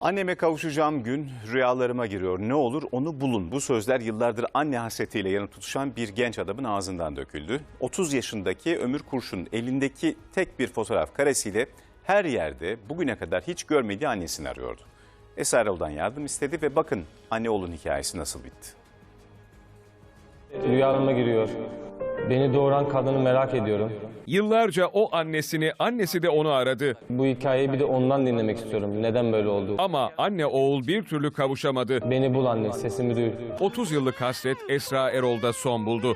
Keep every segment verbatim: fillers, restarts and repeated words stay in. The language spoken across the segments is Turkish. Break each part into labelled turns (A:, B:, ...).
A: Anneme kavuşacağım gün rüyalarıma giriyor. Ne olur onu bulun. Bu sözler yıllardır anne hasretiyle yanıp tutuşan bir genç adamın ağzından döküldü. otuz yaşındaki Ömür Kurşun elindeki tek bir fotoğraf karesiyle her yerde bugüne kadar hiç görmediği annesini arıyordu. Esra Erol'dan yardım istedi ve bakın anne oğlun hikayesi nasıl bitti.
B: Rüyalarıma giriyor. Beni doğuran kadını merak ediyorum.
C: Yıllarca o annesini, annesi de onu aradı.
B: Bu hikayeyi bir de ondan dinlemek istiyorum. Neden böyle oldu?
C: Ama anne oğul bir türlü kavuşamadı.
B: Beni bul anne, sesimi duy.
C: otuz yıllık hasret Esra Erol'da son buldu.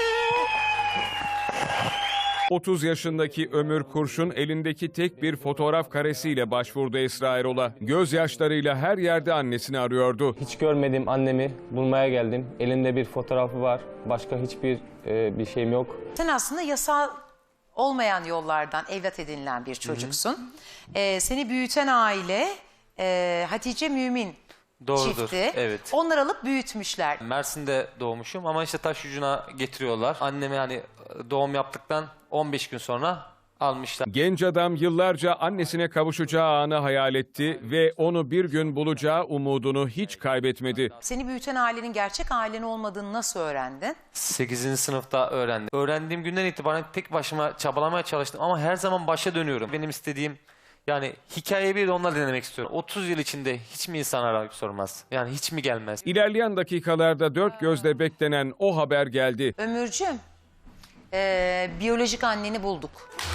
C: otuz yaşındaki Ömür Kurşun elindeki tek bir fotoğraf karesiyle başvurdu Esra Erol'a. Gözyaşlarıyla her yerde annesini arıyordu.
B: Hiç görmediğim annemi bulmaya geldim. Elinde bir fotoğrafı var. Başka hiçbir e, bir şeyim yok.
D: Sen aslında yasal olmayan yollardan evlat edinilen bir çocuksun. Ee, seni büyüten aile e, Hatice Mümin
E: Doğrudur,
D: çifti.
E: evet.
D: Onlar alıp büyütmüşler.
E: Mersin'de doğmuşum ama işte taş ucuna getiriyorlar. Annemi hani doğum yaptıktan on beş gün sonra almışlar.
C: Genç adam yıllarca annesine kavuşacağı anı hayal etti ve onu bir gün bulacağı umudunu hiç kaybetmedi.
D: Seni büyüten ailenin gerçek ailen olmadığını nasıl öğrendin?
E: sekizinci sınıfta öğrendim. Öğrendiğim günden itibaren tek başıma çabalamaya çalıştım ama her zaman başa dönüyorum. Benim istediğim yani hikayeyi bir de onlar dinlemek istiyorum. otuz yıl içinde hiç mi insan arayıp sormaz? Yani hiç mi gelmez?
C: İlerleyen dakikalarda dört gözle beklenen o haber geldi.
D: Ömürcüğüm, e, biyolojik anneni bulduk.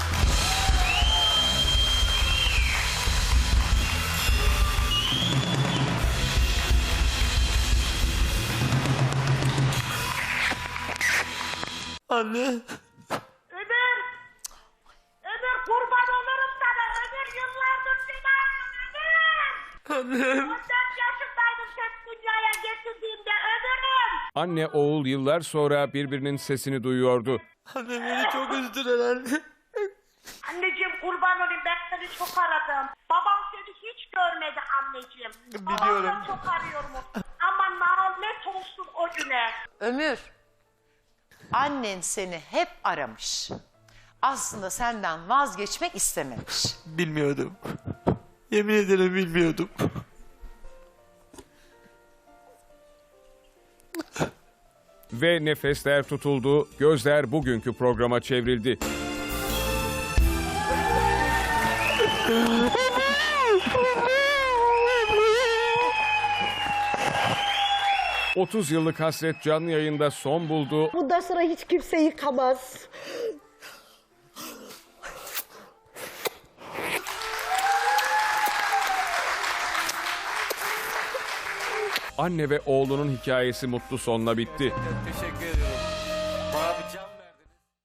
E: Anne.
F: Ömür! Ömür kurban olurum sana. Ömür yıllardır seni arıyorum Ömür!
E: Annem.
F: on dört yaşındaydım seni dünyaya getirdiğimde Ömür'üm!
C: Anne oğul yıllar sonra birbirinin sesini duyuyordu.
E: Anne beni çok üzdüler anne.
F: Anneciğim kurban olayım ben seni çok aradım. Babam seni hiç görmedi anneciğim.
E: Biliyorum.
F: Babamı çok arıyorum. Ama lanet olsun o güne.
D: Ömür, annen seni hep aramış. Aslında senden vazgeçmek istememiş.
E: Bilmiyordum. Yemin ederim bilmiyordum.
C: Ve nefesler tutuldu, gözler bugünkü programa çevrildi. otuz yıllık hasret canlı yayında son buldu.
G: Bundan sonra hiç kimse yıkamaz.
C: Anne ve oğlunun hikayesi mutlu sonla bitti.
E: Teşekkür ederim.